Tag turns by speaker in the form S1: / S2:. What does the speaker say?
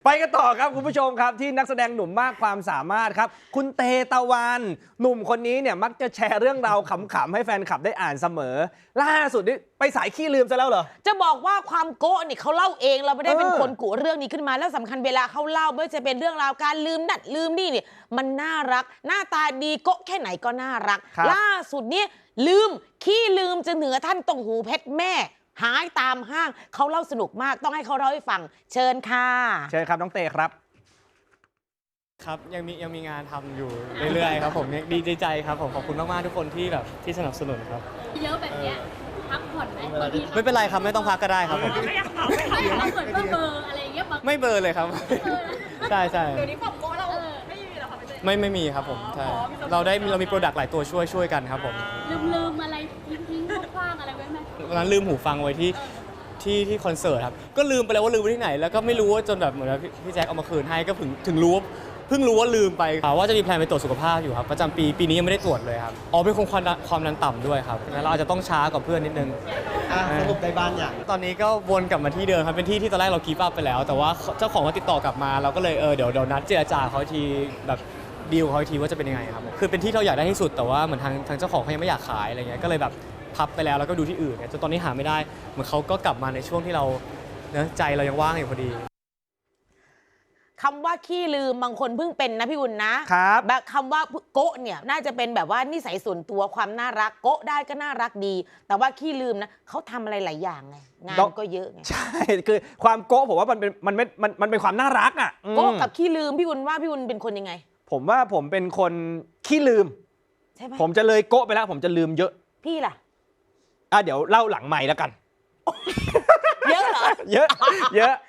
S1: ไปกันต่อครับคุณผู้ชมครับที่นักแสดงหนุ่มมากความสามารถครับคุณเตตะวันหนุ่มคนนี้เนี่ยมักจะแชร์เรื่องราวขำๆให้แฟนคลับได้อ่านเสมอล่าสุดนี่ไปสายขี้ลืมซะแล้วเหรอ
S2: จะบอกว่าความโก้นี่เขาเล่าเองเราไม่ได้เป็นคนกุเรื่องนี้ขึ้นมาแล้วสำคัญเวลาเขาเล่าไม่ว่าจะเป็นเรื่องราวการลืมนั่นลืมนี่เนี่ยมันน่ารักหน้าตาดีโก้แค่ไหนก็น่ารักล่าสุดเนี่ยลืมขี้ลืมจะเหนือท่านตรงหูเพชรแม่หายตามห้างเขาเล่าสนุกมากต้องให้เขาเล่าให้ฟังเชิญค่ะ
S1: เชิญครับน้องเตครับ
S3: ครับยังมีงานทำอยู่เรื่อยๆครับผมดีใจครับผมขอบคุณมากๆทุกคนที่แบบที่สนับสนุนครับ
S4: เยอะแบบเนี้ยพักผ่อนไหม
S3: ไม่เป็นไรครับไม่ต้องพักก็ได้ครับผม
S4: ไม่เราเหมือนว่าเบอร์อะไรอย่างเงี้ยบาง
S3: ไม่เบลอเลยครับใช่
S4: เดี๋ยวนี้ความโก้เราไม่มีหรอคะพี่เต้
S3: ไม่มีครับผมใช่เรามีโปรดักต์หลายตัวช่วยกันครับผม
S4: ลืมอะไรทิ้งคว้างอะไรไว้ไหม
S3: วันนั้นลืมหูฟังไว้ที่คอนเสิร์ตครับก็ลืมไปแล้วว่าลืมไว้ที่ไหนแล้วก็ไม่รู้ว่าจนแบบเหมือนพี่แจ็คเอามาคืนให้ก็ถึงรู้เพิ่งรู้ว่าลืมไปว่าจะมีแพลนไปตรวจสุขภาพอยู่ครับประจำปีนี้ยังไม่ได้ตรวจเลยครับเป็นความดันต่ำด้วยครับงั้นเราอาจจะต้องช้ากว่าเพื่อนนิดนึง
S5: สรุปได้บ้านอย่าง
S3: ตอนนี้ก็วนกลับมาที่เดิมครับเป็นที่ตอนแรกเราคีปอัพไปแล้วแต่ว่าเจ้าของก็ติดต่อกลับมาเราก็เลยเดี๋ยวนัดเจรจาเขาทีแบบดีลเขาทีว่าจะเป็นยังไงครับคือเป็นที่เราอยากได้ที่สุดแต่ว่าเหมือนทางเจ้าของเขายังไม่อยากขายอะไรเงี้ยก็เลยแบบพับไปแล้วก็ดูที่อื่นจนตอนนี้หาไม่ได้เหมือนเขาก็กลับมาในช่วงที่เราใจเรายังว่างอยู่พอดี
S2: คำว่าขี้ลืมบางคนเพิ่งเป็นนะพี่อุ่นนะครับแบบคำว่าโกะเนี่ยน่าจะเป็นแบบว่านิสัยส่วนตัวความน่ารักโกะได้ก็น่ารักดี แต่ว่าขี้ลืมนะเขาทำอะไรหลายอย่างไงงานก็เยอะไง
S1: ใช่คือความโก้ผมว่ามันเป็นความน่ารักอ่ะ
S2: โกะกับขี้ลืมพี่อุ่นว่าพี่อุ่นเป็นคนยังไง
S1: ผมว่าผมเป็นคนขี้ลืม
S2: ใช่ไหม
S1: ผมจะเลยโก้ไปแล้วผมจะลืมเยอะ
S2: พี่ล่ะ
S1: เดี๋ยวเล่าหลังใหม่แล้วกัน
S2: เยอะเหรอ
S1: เยอะ